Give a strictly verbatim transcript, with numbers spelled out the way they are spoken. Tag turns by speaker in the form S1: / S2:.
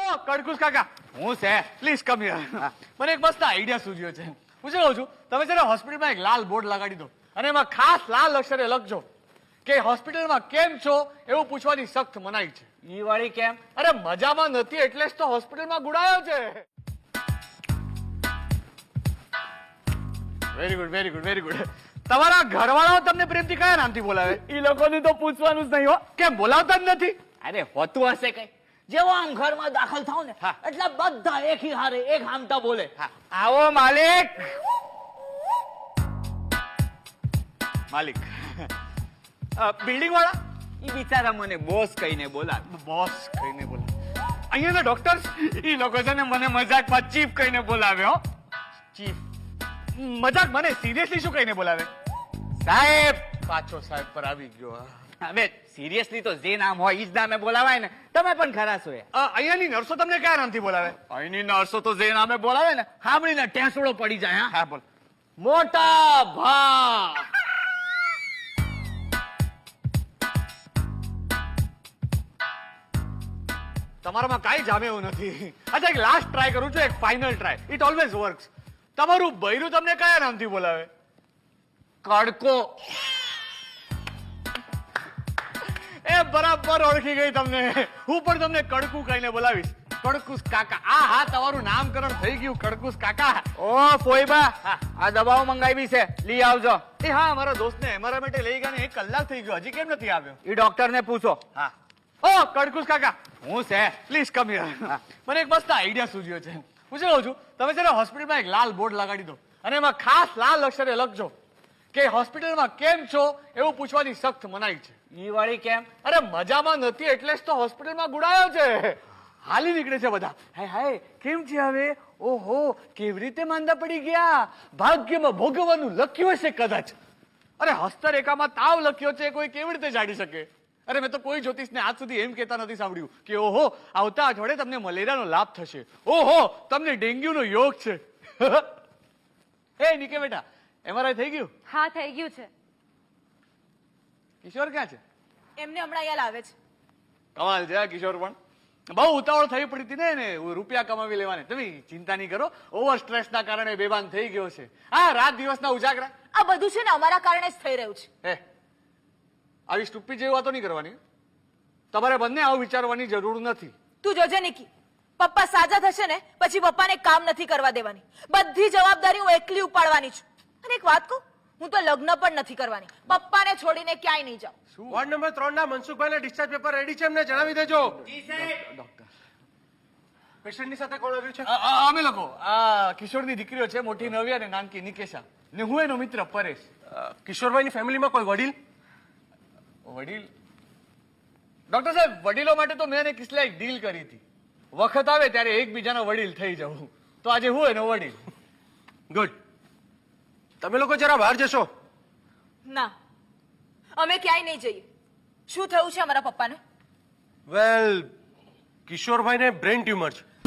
S1: કડકુસ કાકા હું છે પ્લીઝ કમ હિયર મને એક મસ્ત આઈડિયા સૂઝ્યો છે હું શું કહું છું તમે છે ને હોસ્પિટલમાં એક લાલ બોર્ડ લગાડી દો અને એમાં ખાસ લાલ અક્ષરે લખજો કે હોસ્પિટલમાં કેમ છો એવું પૂછવાની સખ્ત મનાઈ છે ઈ વાળી કેમ અરે મજામાં નથી એટલે જ તો હોસ્પિટલમાં ગુડાયો છે very good very good very good તમારા ઘરવાળાઓ તમને પ્રેમથી કયા નામથી બોલાવે ઈ લોકોને તો પૂછવાનું જ નહીં હો કેમ બોલાવતા જ નથી
S2: અરે હોતું હશે કઈ જેવો આમ ઘરમાં દાખલ થાવ ને એટલે બધા એકી હારે એક હામટા બોલે
S1: આવો માલિક માલિક બિલ્ડિંગ વાળા
S2: ઈ બિચારા મને બોસ કહીને બોલાવે
S1: બોસ કહીને બોલાવે અહીંયા ડોક્ટર્સ ઈ લોકો છે ને મને મજાકમાં ચીફ કહીને બોલાવે હો ચીફ મજાક મને સિરિયસલી શું કહીને બોલાવે સાહેબ પાછો સાહેબ પર આવી ગયો
S2: હવે સિરિયસલી તો જે નામ હોય ઈ જ નામે બોલાવાય ને તમે પણ ખરા છો
S1: અહીંયાની નર્સો તમને કયા નામથી બોલાવે
S2: અહીંની નર્સો તો જે નામે બોલાવે ને સાંભળીને ટેસડો પડી જાય
S1: હા બોલ
S2: મોટા ભા
S1: તમારામાં કાંઈ જામે એવું નથી અચ્છા એક લાસ્ટ ટ્રાય કરું છું એક final try it always works તમારું બૈરું તમને કયા નામથી બોલાવે
S2: કડકો
S1: એ બરાબર ઓળખી ગઈ તમને હું પણ તમને કડકું કહીને બોલાવીશ કડકુસ કાકા આ હા તમારું નામકરણ થઈ ગયું કડકુસ કાકા
S2: ઓ ફોઈબા આ દવાઓ મંગાવી છે લઈ આવજો
S1: એ હા મારા દોસ્તને મારા માટે લઈ ગયા ને એક કલાક થઈ ગયો હજી કેમ નથી આવ્યો
S2: ઈ ડોક્ટર ને પૂછો
S1: હા ઓ કડકુસ કાકા
S2: હું છે
S1: પ્લીઝ કમ હિયર મને એક મસ્ત આઈડિયા સૂઝ્યો છે હું શું કહું છું તમે છે ને હોસ્પિટલમાં એક લાલ બોર્ડ લગાડી દો અને એમાં ખાસ લાલ અક્ષરે લખજો કે હોસ્પિટલમાં કેમ છો એવું પૂછવાની સખ્ત મનાઈ છે
S2: ઈ વાળી કેમ
S1: અરે મજામાં નથી એટલે જ તો હોસ્પિટલમાં ગુડાયો છે હાલી નીકળે છે બધા હાય હાય કેમ છે હવે ઓહો કેવી રીતે માંદા પડી ગયા ભાગ્યમાં ભોગવવાનું લખ્યું હશે કદાચ અરે હસ્તરેખામાં તાવ લખ્યો છે કોઈ કેવી રીતે જાણી શકે અરે મેં તો કોઈ જ્યોતિષને આજ સુધી એમ કહેતા નથી સાંભળ્યું કે ઓહો આવતા અઠવાડિયે તમને મલેરિયાનો લાભ થશે ઓહો તમને ડેન્ગ્યુનો યોગ છે એ નીકે બેટા એમઆરઆઈ થઈ ગયું
S3: હા થઈ ગયું છે
S1: કિશોર ક્યાં છે
S3: એમને હમણાં અહીંયા લાવે છે
S1: કમાલ છે આ કિશોર પણ બહુ ઉતાવળ થઈ પડી હતી ને રૂપિયા કમાવી લેવાને તમે ચિંતા નહીં કરો ઓવર સ્ટ્રેસ ના કારણે બેભાન થઈ ગયો છે હા રાત દિવસના ઉજાગરા
S3: આ બધું છે ને અમારા કારણે જ થઈ રહ્યું છે
S1: હે આવી સ્ટુપી જેવી વાતો નહીં કરવાની તમારે બંને આવું વિચારવાની જરૂર નથી
S3: તું જોજે નિકી પપ્પા સાજા થશે ને પછી પપ્પાને કામ નથી કરવા દેવાની બધી જવાબદારી હું એકલી ઉપાડવાની છું અને એક વાત કહું હું તો લગ્ન પણ નથી કરવાની પપ્પાને છોડીને ક્યાંય નહીં જાઉં
S4: વોર્ડ નંબર ત્રણ ના મનસુખભાઈ ડિસ્ચાર્જ પેપર રેડી છે એમને જણાવી દેજો
S1: ડોક્ટર
S4: પેશન્ટની સાથે કોણ આવ્યું છે
S1: અમે લોકો આ કિશોરની દીકરીઓ છે મોટી નવ્યા અને નાનકી નિકેશા ને હું એનો મિત્ર પરેશ
S4: કિશોરભાઈની ફેમિલીમાં કોઈ વડીલ
S1: વડીલ ડોક્ટર સાહેબ વડીલો માટે તો મેં કિસલા એક ડીલ કરી હતી વખત આવે ત્યારે એકબીજાનો વડીલ થઈ જવું તો આજે હું એનો વડીલ
S4: ગુડ તમે લોકો જરા બહાર જશો
S3: ના અમે ક્યાંય નહીં જઈએ શું થયું છે અમારા પપ્પાને
S4: વેલ કિશોરભાઈને બ્રેન ટ્યુમર છે